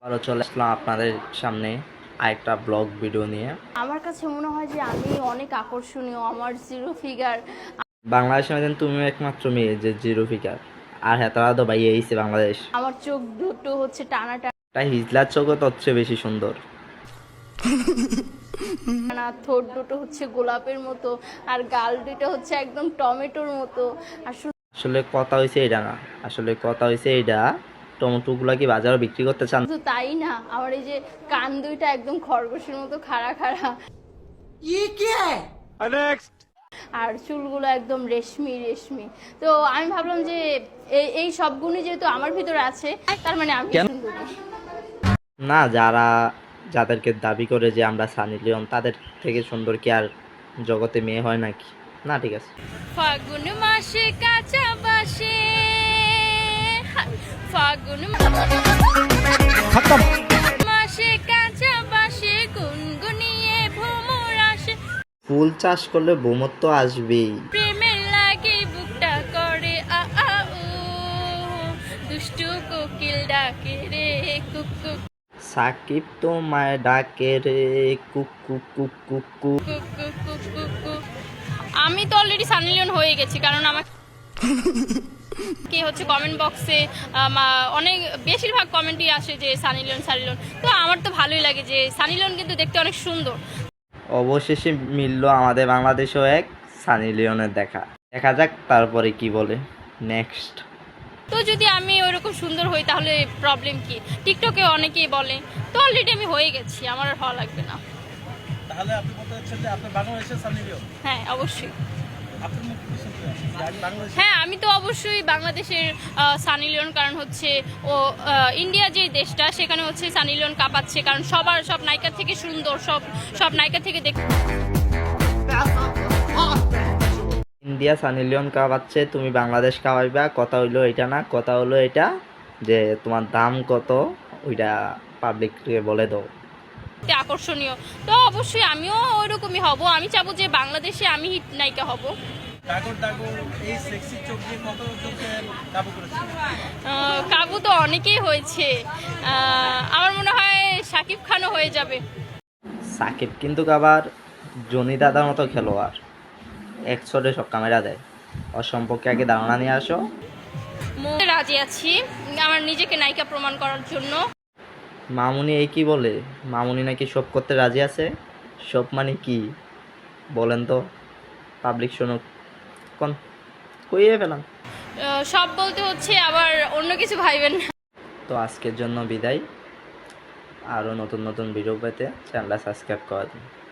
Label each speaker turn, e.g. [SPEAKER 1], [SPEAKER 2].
[SPEAKER 1] আরও চলে আসলাম আপনাদের সামনে আরেকটা ব্লগ ভিডিও নিয়ে।
[SPEAKER 2] আমার কাছে মনে হয় যে আমি অনেক আকর্ষণীয়, আমার জিরো ফিগার।
[SPEAKER 1] বাংলাদেশের মধ্যে তুমি একমাত্র মেয়ে যে জিরো ফিগার, আর হ্যাঁ তারা তো ভাই এইছে বাংলাদেশ।
[SPEAKER 2] আমার চোখ দুটো হচ্ছে টানা
[SPEAKER 1] তাই হিজলার চোখও তো হচ্ছে বেশি সুন্দর।
[SPEAKER 2] টানা, ঠোঁট দুটো হচ্ছে গোলাপের মতো, আর গাল দুটো হচ্ছে একদম টমেটোর মতো। আর
[SPEAKER 1] আসলে কথা হয়েছে এটা না, আসলে কথা হয়েছে এটা টমেটোগুলা কি বাজারে বিক্রি করতে চান?
[SPEAKER 2] শুধু তাই না, আমার এই যে কান দুইটা একদম খরগোশের মতো খাড়া খাড়া, আর চুলগুলো একদম রেশমি রেশমি। তো আমি ভাবলাম যে এই সব গুণই যেহেতু আমার ভিতরে আছে, তার মানে আমি সুন্দরী।
[SPEAKER 1] না, যাদেরকে দাবি করে যে আমরা সানি লিওন, তাদের থেকে সুন্দর কি আর জগতে মেয়ে হয় নাকি? না, ঠিক আছে।
[SPEAKER 2] ফাগুন মাসে কাঁচা বাসে, ফাগুন মাসে কাঁচা বাসে গুনগুনিয়ে ভ্রমর আসে।
[SPEAKER 1] ফুল চাষ করলে ভ্রমর তো আসবেই।
[SPEAKER 2] প্রেমের লাগে বুকটা করে আ আ উ, দুষ্টু কোকিল ডাকে রে কুক কুক
[SPEAKER 1] সাকিব তোমায় ডাকে রে কুক কুক কুক কুক কুক।
[SPEAKER 2] কুক কুক কুক কুক কুক। আমি তো অলরেডি সানি লিওন হয়ে গেছি, কারণ আমার কে হচ্ছে কমেন্ট বক্সে অনেক বেশিরভাগ কমেন্টই আসে যে সানি লিওন সানি লিওন। তো আমার তো ভালোই লাগে যে সানি লিওন কিন্তু দেখতে অনেক সুন্দর।
[SPEAKER 1] অবশেষে মিললো আমাদের বাংলাদেশেও এক সানি লিওনের দেখা। দেখা যাক তারপরে কি বলে নেক্সট।
[SPEAKER 2] তো যদি আমি ওইরকম সুন্দর হই তাহলে প্রবলেম কি? টিকটকে অনেকেই বলে, তো অলরেডি আমি হয়ে গেছি, আমার আর হওয়া লাগবে না।
[SPEAKER 3] তাহলে আপনি বলতে চাচ্ছেন যে আপনি বাংলাদেশের সানি লিওন?
[SPEAKER 2] হ্যাঁ, অবশ্যই।
[SPEAKER 3] আপনার মুখ কি শুনতে হয়? যে আমি বাংলাদেশে।
[SPEAKER 2] হ্যাঁ, আমি তো অবশ্যই বাংলাদেশের সানি লিওন, কারণ হচ্ছে ও ইন্ডিয়া যে দেশটা, সেখানে হচ্ছে সানি লিওন কাঁপাচ্ছে, কারণ সব নায়িকার থেকে সুন্দর, সব নায়িকা থেকে দেখ।
[SPEAKER 1] ইন্ডিয়া সানি লিওন কাঁপাচ্ছে, তুমি বাংলাদেশ কাঁপাইবা, কথা হইলো এটা না, কথা হলো এটা যে তোমার দাম কত ওইটা পাবলিককে বলে দাও।
[SPEAKER 2] আকর্ষণীয়, তো অবশ্যই আমিও ওইরকমই হব। আমি চাবো যে বাংলাদেশে আমি হিট নায়িকা হব।
[SPEAKER 3] ডাগর ডাগর এই সেক্সি চোখ দিয়ে কত চোখে কাবু করেছে?
[SPEAKER 2] কাবু তো অনেকেই হয়েছে, আমার মনে হয় শাকিব খানও হয়ে যাবে।
[SPEAKER 1] সাকিব কিন্তু আবার জনি দাদার মতো খেলোয়াড়, এক শটে সব ক্যামেরা দেয়। ওর সম্পর্কে আগে ধারণা নিয়ে আসো।
[SPEAKER 2] রাজি আছি আমার নিজেকে নায়িকা প্রমাণ করার জন্য।
[SPEAKER 1] মামুনি এই কি বলে? মামুনি নাকি সব করতে রাজি আছে। সব মানে কি বলেন তো, পাবলিক শুনুক। কোন কইয়ে পেলাম।
[SPEAKER 2] সব বলতে হচ্ছে আবার অন্য কিছু ভাইবেন না।
[SPEAKER 1] তো আজকের জন্য বিদায়। আরও নতুন নতুন ভিডিও পেতে চ্যানেলটা সাবস্ক্রাইব করে দিন।